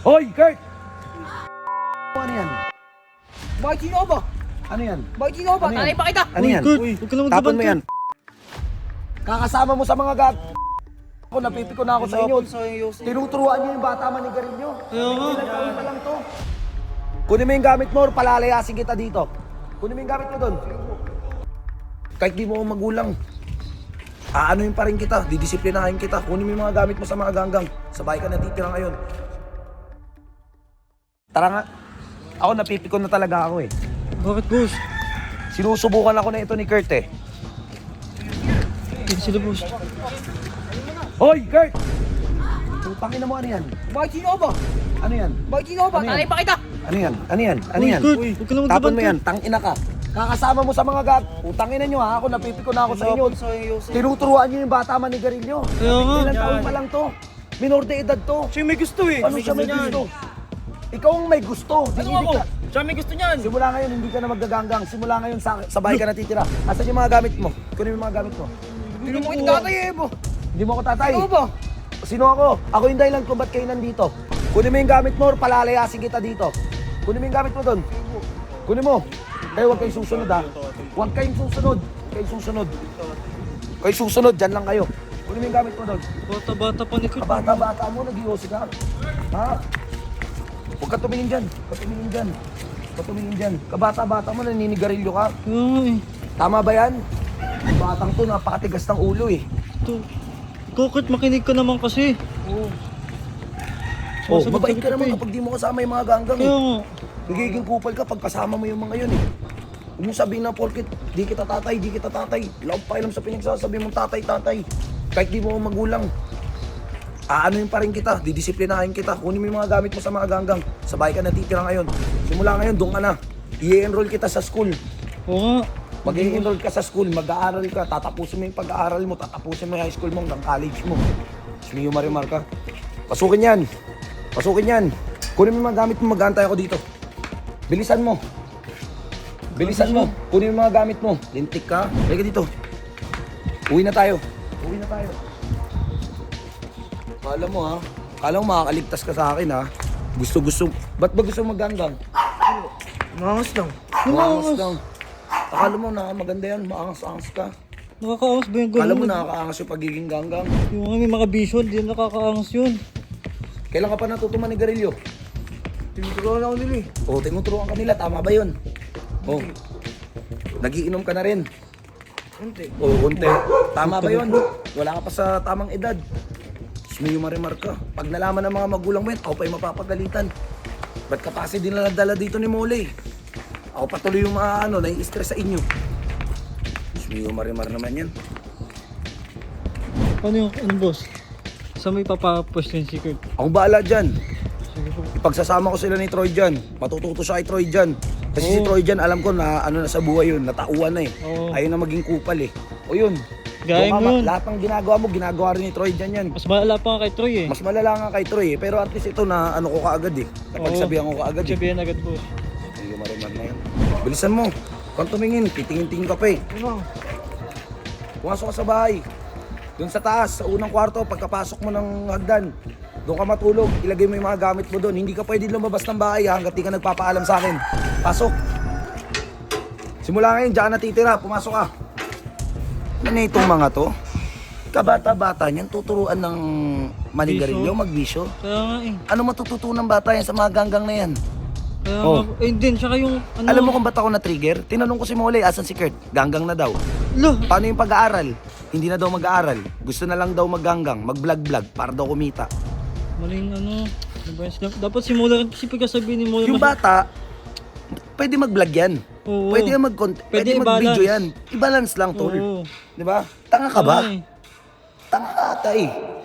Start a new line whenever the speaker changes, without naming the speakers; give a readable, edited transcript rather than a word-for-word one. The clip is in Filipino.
Hoy, Kurt! Ano yan?
Bakit sino ba?
Ano yan?
Bakit sino ba?
Ano yan?
Tanay pa kita!
Ano yan?
Kurt, huwag ka na
Tapon
maglaban,
mo yan. Kakasama mo sa mga gag... Ako, napipiko na ako sa inyo. Tinuturuan niyo yung bata manigarilyo.
Kaya nga.
Ilan taon pa lang to. Kunin mo yung gamit mo or palalayasin kita dito. Kunin mo yung gamit mo doon. Kahit di mo ako magulang. Aanoin pa rin kita, didisiplinahin kita. Kunin mo yung mga gamit mo sa mga ganggang. Sa bahay ka natitira ngayon. Tara nga. Ako napipikon na talaga ako eh.
Bakit, boss?
Sinusubukan ako na ito ni Kurt eh.
Hindi sila, boss.
Hoy, Kurt! Putangin na mo, ano yan?
Bakit sino ba?
Ano yan?
Bakit sino ba?
Ano yan?
Tanay pa kita!
Ano yan? Ano yan? Ano
Uy,
yan?
Kurt, huwag ka na maglaban,
Tapon mo yan,
Kurt.
tangina ka. Kakasama mo sa mga gag... Putangin na nyo ha, ako napipiko na ako sa inyo. Tinuturuan nyo yung bata manigarilyo.
Kaya nga.
Ilan taon pa lang to. Minor de edad to.
Siya may gusto eh.
Ano siya may gusto? Ikaw ang may gusto.
Ano ako? Siya may gusto niyan.
Simula ngayon, hindi ka na magaganggang. Simula ngayon, sa bahay ka natitira. Asan yung mga gamit mo? Kunin mo yung mga gamit mo.
Hindi mo kita tatay eh bo!
Hindi mo ako tatay.
Sino ba?
Sino ako? Ako yung dahilan kung ba't kayo nandito. Kunin mo yung gamit mo or palalayasin kita dito. Kunin mo yung gamit mo doon. Kunin mo. Kayo huwag kayong susunod ha. Huwag kayong susunod. Huwag kayong susunod. Kayo susunod, dyan lang kayo. Kunin mo yung gamit mo doon.
Bata-bata pa ni Kurt.
Kabata-bata mo, nag-iossi ka. Ha? Huwag ka tumingin dyan. Huwag ka tumingin dyan. Huwag ka tumingin dyan. Kabata-bata mo, naninigarilyo ka.
Kaya nga eh.
Tama ba yan? Batang to, napakatigas ng ulo eh.
Ito. Ikaw, Kurt, makinig ka naman kasi.
Oh,
Sumasagot
mabait
sagot
ka naman
eh.
kapag di mo kasama yung mga ganggang
Kaya
eh.
nga.
Nagiging kupal ka pag kasama mo yung mga yun eh. Huwag mo sabihin na porkit, di kita tatay, di kita tatay. Wala akong pakialam sa pinagsasabi mong tatay, tatay. Kahit di mo ako magulang. Aanoin pa rin kita, didisiplinahin kita. Kunin mo yung mga gamit mo sa mga ganggang. Sa bahay ka natitira ngayon. Simula ngayon, doon ka na. I-enroll kita sa school.
Oo nga.
Mag-i-enroll ka sa school, mag-aaral ka, tatapusin mo yung pag-aaral mo, tatapusin mo yung high school mo hanggang college mo. Sumiyo marimar ka. Pasukin yan. Pasukin yan. Kunin mo yung mga gamit mo, mag-aantay ako dito. Bilisan mo. Bilisan mo. Kunin mo yung mga gamit mo. Lintik ka. Halika dito. Uwi na tayo. Uwi na tayo. Kala mo ha. Kala mo makakaligtas ka sa akin ha. Gusto. Ba't ba gusto mag-ganggang?
Mangas lang.
Maangas lang. Akala mo na maganda yan. Maangas-angas ka.
Nakakaangas ba yung
Akala
gano'n?
mo nakakaangas yung pagiging ganggang.
Yung mga may mga vision, di nakakaangas yun.
Kailan ka pa natuto manigarilyo?
Tinuturuan ako nila eh.
O, tinuturuan ka nila. Tama ba yun? O, nagiinom ka na rin.
Unti.
O, unti. Tama ba yun? Wala ka pa sa tamang edad. Sumiyo marimar ka. Pag nalaman ng mga magulang mo yan, ako pa yung mapapagalitan. Ba't ka pa kasi dinaladala dito ni Molay? Ako patuloy yung mga nai-stress sa inyo. Sumiyo marimar naman yan.
Ano yung, boss? Saan may papapwesto yung si Kurt?
Ako bahala dyan.
Sige po.
Ipagsasama ko sila ni Troy dyan. Matututo siya kay Troy dyan. Kasi si Troy dyan, alam ko na ano na sa buhay yun, natauan na eh.
Oo.
Ayaw na maging kupal eh. O yun.
Gaya
Doon ka
mo yun.
Lahat ng ginagawa mo, ginagawa rin ni Troy dyan yan.
Mas malala pa nga kay Troy eh.
Mas malala nga kay Troy eh. Pero at least ito na ano ko kaagad eh. Napagsabihan ko kaagad eh.
Sabihan agad, boss.
Hindi ko marimar na yan. Bilisan mo. Kung tumingin, titingin-tingin ka pa eh.
Ano?
Pumasok ka sa bahay. Doon sa taas, sa unang kwarto, pagkapasok mo ng hagdan. Doon ka matulog, ilagay mo yung mga gamit mo doon. Hindi ka pwede lumabas ng bahay ha, hanggat di ka nagpapaalam sa akin. Pasok. Simula ngayon, diyan ka natitira. Pumasok ka. Ano itong mga to? Kabata-bata niyan, tuturuan ng manigarilyo, magbisyo.
Kaya nga eh.
Ano matututunan bata yan sa mga ganggang na yan?
Kaya
Oh.
nga. Eh din, tsaka yung ano.
Alam mo kung ba't ako na-trigger? Tinanong ko si Molay, asan si Kurt? Ganggang na daw.
Lo!
Paano yung pag-aaral? Hindi na daw mag-aaral. Gusto na lang daw magganggang, mag-vlog-vlog para daw kumita.
Maling ano. Dapat simula rin kasi pagkasabihin ni Mola.
Yung bata, pwede mag-vlog yan.
Oo.
Pwede yan pwede mag-video
i-balance.
yan. I-balance lang, tol.
Oo.
Di ba? Tanga ka ba?
Ay.
Tanga ka ata eh.